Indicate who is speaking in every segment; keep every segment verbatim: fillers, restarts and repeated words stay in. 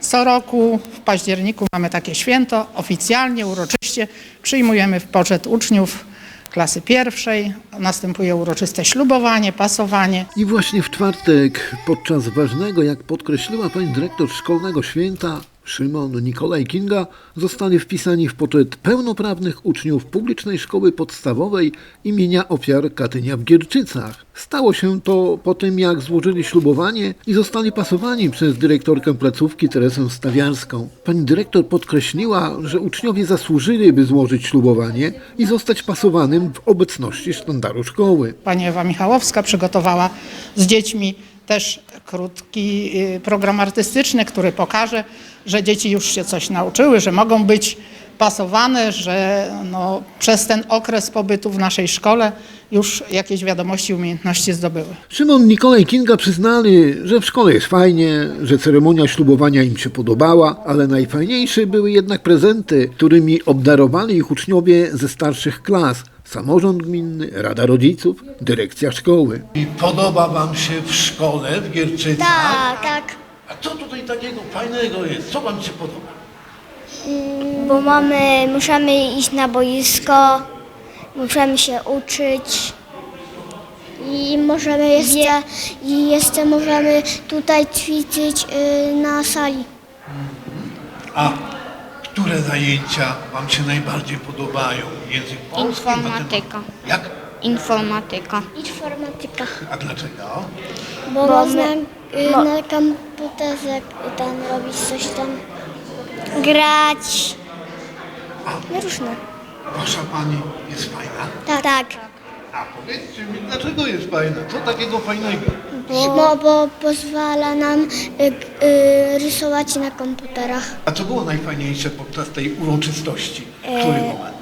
Speaker 1: Co roku w październiku mamy takie święto, oficjalnie, uroczyście przyjmujemy w poczet uczniów klasy pierwszej, następuje uroczyste ślubowanie, pasowanie.
Speaker 2: I właśnie w czwartek, podczas ważnego, jak podkreśliła pani dyrektor szkolnego święta, Szymon Nikolaj Kinga, zostali wpisani w poczet pełnoprawnych uczniów publicznej szkoły podstawowej imienia ofiar Katynia w Gierczycach. Stało się to po tym, jak złożyli ślubowanie i zostali pasowani przez dyrektorkę placówki Teresę Stawiarską. Pani dyrektor podkreśliła, że uczniowie zasłużyli, by złożyć ślubowanie i zostać pasowanym w obecności sztandaru szkoły.
Speaker 1: Pani Ewa Michałowska przygotowała z dziećmi też krótki program artystyczny, który pokaże, że dzieci już się coś nauczyły, że mogą być pasowane, że no, przez ten okres pobytu w naszej szkole już jakieś wiadomości, umiejętności zdobyły.
Speaker 2: Szymon Nikolaj Kinga przyznali, że w szkole jest fajnie, że ceremonia ślubowania im się podobała, ale najfajniejsze były jednak prezenty, którymi obdarowali ich uczniowie ze starszych klas. Samorząd gminny, Rada Rodziców, dyrekcja szkoły.
Speaker 3: I podoba wam się w szkole w Gierczycach?
Speaker 4: Tak, tak.
Speaker 3: A co tutaj takiego fajnego jest? Co wam się podoba?
Speaker 4: Bo mamy, musimy iść na boisko, musimy się uczyć i możemy jeszcze, i jeszcze możemy tutaj ćwiczyć y, na sali.
Speaker 3: A które zajęcia wam się najbardziej podobają? Język polski?
Speaker 5: Informatyka.
Speaker 3: matematyka? Jak?
Speaker 5: Informatyka.
Speaker 4: Informatyka.
Speaker 3: A dlaczego?
Speaker 4: Bo, bo można y, na komputerze tam robić coś tam, grać, no różne.
Speaker 3: Wasza pani jest fajna?
Speaker 4: Tak, tak.
Speaker 3: A powiedzcie mi, dlaczego jest fajna? Co takiego fajnego?
Speaker 4: Bo, bo pozwala nam y, y, rysować na komputerach.
Speaker 3: A co było najfajniejsze podczas tej uroczystości? Który moment?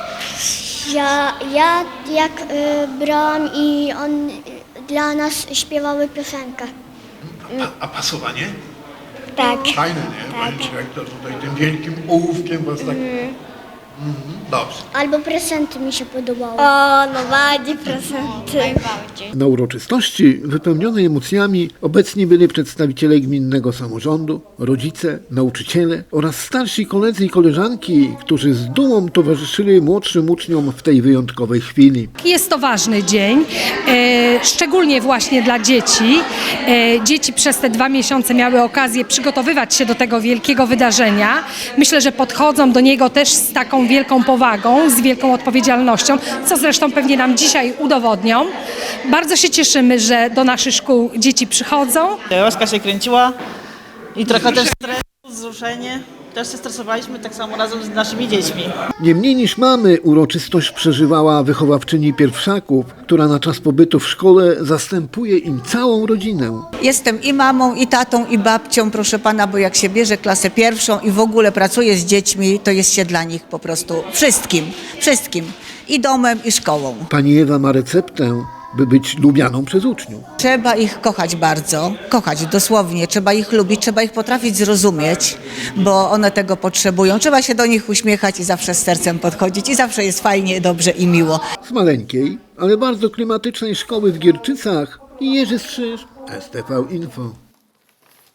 Speaker 4: Ja, ja jak y, brałam i on y, dla nas śpiewały piosenkę.
Speaker 3: A, a pasowanie?
Speaker 4: Tak.
Speaker 3: Fajne, nie? Pani dyrektor tutaj tym wielkim ołówkiem was tak... Mhm, dobrze.
Speaker 4: Albo prezenty mi się podobały. O, no bardziej prezenty.
Speaker 5: Najbardziej.
Speaker 2: Na uroczystości wypełnionej emocjami obecni byli przedstawiciele gminnego samorządu, rodzice, nauczyciele oraz starsi koledzy i koleżanki, którzy z dumą towarzyszyli młodszym uczniom w tej wyjątkowej chwili.
Speaker 6: Jest to ważny dzień, e, szczególnie właśnie dla dzieci. E, dzieci przez te dwa miesiące miały okazję przygotowywać się do tego wielkiego wydarzenia. Myślę, że podchodzą do niego też z taką wielką powagą, z wielką odpowiedzialnością, co zresztą pewnie nam dzisiaj udowodnią. Bardzo się cieszymy, że do naszych szkół dzieci przychodzą.
Speaker 7: Łaska się kręciła i trochę też stresu, wzruszenie. Też się stresowaliśmy tak samo razem z naszymi dziećmi.
Speaker 2: Nie mniej niż mamy uroczystość przeżywała wychowawczyni pierwszaków, która na czas pobytu w szkole zastępuje im całą rodzinę.
Speaker 8: Jestem i mamą, i tatą, i babcią, proszę pana, bo jak się bierze klasę pierwszą i w ogóle pracuje z dziećmi, to jest się dla nich po prostu wszystkim, wszystkim. I domem, i szkołą.
Speaker 2: Pani Ewa ma receptę, by być lubianą przez uczniów.
Speaker 8: Trzeba ich kochać bardzo, kochać dosłownie, trzeba ich lubić, trzeba ich potrafić zrozumieć, bo one tego potrzebują. Trzeba się do nich uśmiechać i zawsze z sercem podchodzić i zawsze jest fajnie, dobrze i miło.
Speaker 2: Z maleńkiej, ale bardzo klimatycznej szkoły w Gierczycach Jerzy Strzyż, S T V Info.